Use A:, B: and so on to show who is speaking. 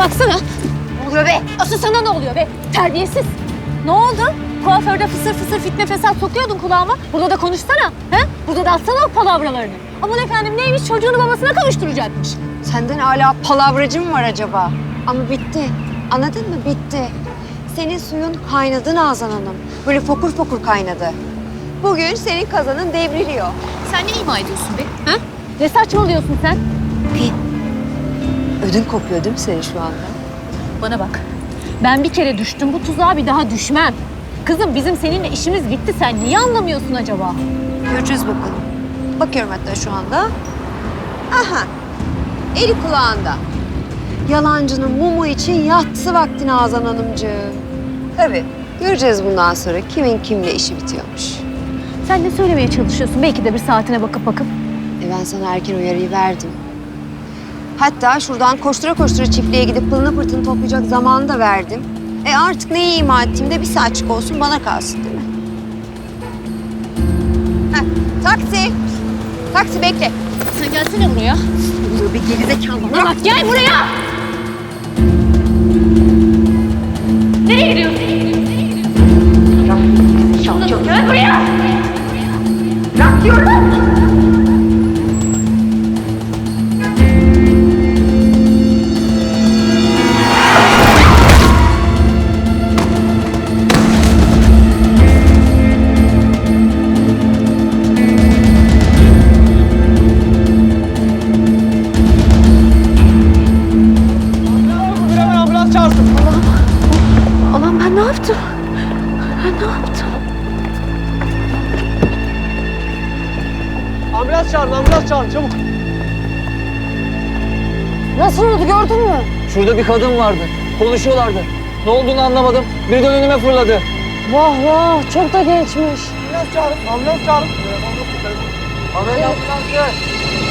A: baksana. Ne oluyor be? Asıl sana ne oluyor be? Terbiyesiz. Ne oldu? Kuaförde fısır fısır fitne fesat sokuyordun kulağıma. Burada da konuşsana. He? Burada da atsana o palavralarını. Aman efendim neymiş, çocuğunu babasına kavuşturacakmış.
B: Senden hala palavracı mı var acaba? Ama bitti. Anladın mı? Bitti. Senin suyun kaynadı Nazan Hanım. Böyle fokur fokur kaynadı. Bugün senin kazanın devriliyor.
A: Sen ne ima ediyorsun be? Ha? Ne saçmalıyorsun sen?
B: Ödün kopuyor değil mi senin şu anda?
A: Bana bak. Ben bir kere düştüm, bu tuzağa bir daha düşmem. Kızım bizim seninle işimiz bitti. Sen niye anlamıyorsun acaba?
B: Göreceğiz bakalım. Bakıyorum hatta şu anda. Aha. Eli kulağında. Yalancının mumu için yatsı vakti Nazan Hanımcığım. Tabii. Göreceğiz bundan sonra kimin kimle işi bitiyormuş.
A: Sen ne söylemeye çalışıyorsun? Belki de bir saatine bakıp.
B: Ben sana erken uyarıyı verdim. Hatta şuradan koştura koştura çiftliğe gidip pılını pırtını toplayacak zamanı da verdim. Artık neyi ima ettiğimde bir saatçik olsun bana kalsın değil mi? Heh, taksi. Taksi bekle.
A: Sen gelsene buraya.
B: Dur bir gerizekalı.
A: Bana bak gel buraya. Nereye gidiyorsun? Gel buraya.
B: Bırak diyorum.
A: Allah'ım ben ne yaptım? Ben ne yaptım?
C: Ambulans çağırın çabuk.
B: Nasıl oldu gördün mü?
C: Şurada bir kadın vardı. Konuşuyorlardı. Ne olduğunu anlamadım. Birden önüme fırladı.
B: Vah vah çok da gençmiş.
C: Ambulans çağırın. Ambulans çağırın. Ambulans gel.